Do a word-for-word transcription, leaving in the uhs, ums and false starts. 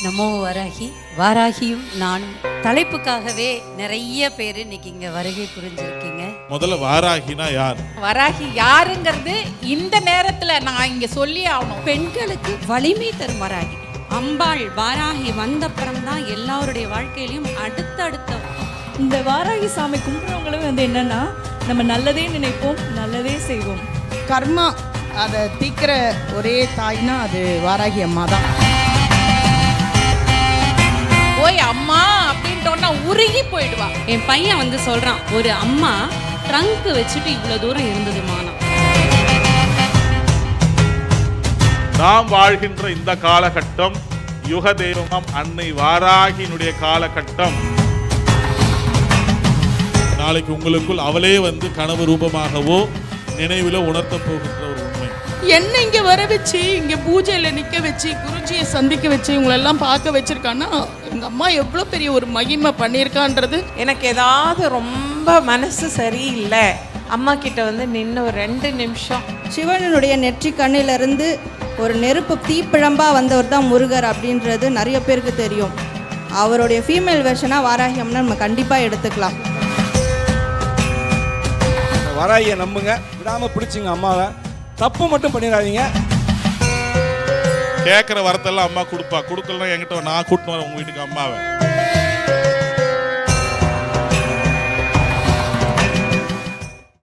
நமோ வராகி. வாராகியும் நானும் தலைப்புக்காகவே நிறைய பேர் இன்னைக்கு இங்க வருகை புரிஞ்சிருக்கீங்க. முதல்ல வாராகினா யார்? வராகி யாருங்கிறது இந்த நேரத்துல நான் இங்க சொல்லி ஆகணும். பெண்களுக்கு வலிமை தரும் வராகி அம்பாள் வாராகி வந்தப்புறம் தான் எல்லாருடைய வாழ்க்கையிலையும் அடுத்தடுத்த இந்த வாராகி சாமி கும்பிட்றவங்களும் வந்து என்னன்னா, நம்ம நல்லதே நினைப்போம், நல்லதே செய்வோம். கர்மா அதை தீக்கிற ஒரே தாய்னா அது வாராகி அம்மா தான். ஓய் அம்மா அப்படின்ட்டோன்னா உருகி போயிடுவா. என் பையன் வந்து சொல்றான், ஒரு அம்மா ட்ரங்க் வச்சுட்டு இவ்வளவு தூரம் இருந்ததுமானா. நாம் வாழ்கின்ற இந்த காலகட்டம் யுக தெய்வம் அன்னை வாராகியினுடைய காலகட்டம். நாளைக்கு உங்களுக்குள் அவளே வந்து கனவு ரூபமாகவோ நினைவில உணர்த்த போகின்ற ஒரு உண்மை. என்ன இங்க வர வச்சு இங்க பூஜையில நிக்க வச்சு குருஜியை சந்திக்க வச்சு இவங்களெல்லாம் பார்க்க வச்சிருக்கான்னா எங்க அம்மா எவ்வளவு பெரிய ஒரு மகிமை பண்ணியிருக்கான்றது. எனக்கு ஏதாவது ரொம்ப மனசு சரியில்லை, அம்மா கிட்ட வந்து நின்று ஒரு ரெண்டு நிமிஷம். சிவனுடைய நெற்றி கண்ணிலிருந்து ஒரு நெருப்பு தீப்பிழம்பா வந்தவர் தான் முருகர் அப்படின்றது நிறைய பேருக்கு தெரியும். அவருடைய ஃபீமேல் வெர்ஷனாக வாராகி அம்மனை நம்ம கண்டிப்பாக எடுத்துக்கலாம். வாராகியை நம்புங்க, விடாம பிடிச்சிங்க அம்மாவை. தப்பு மட்டும் பண்ணிடாதீங்க. கேட்குற வரத்தெல்லாம் அம்மா கொடுப்பா. கொடுக்கலாம் என்கிட்ட நான் கூட்டின்னு வரேன் உங்க வீட்டுக்கு அம்மாவை.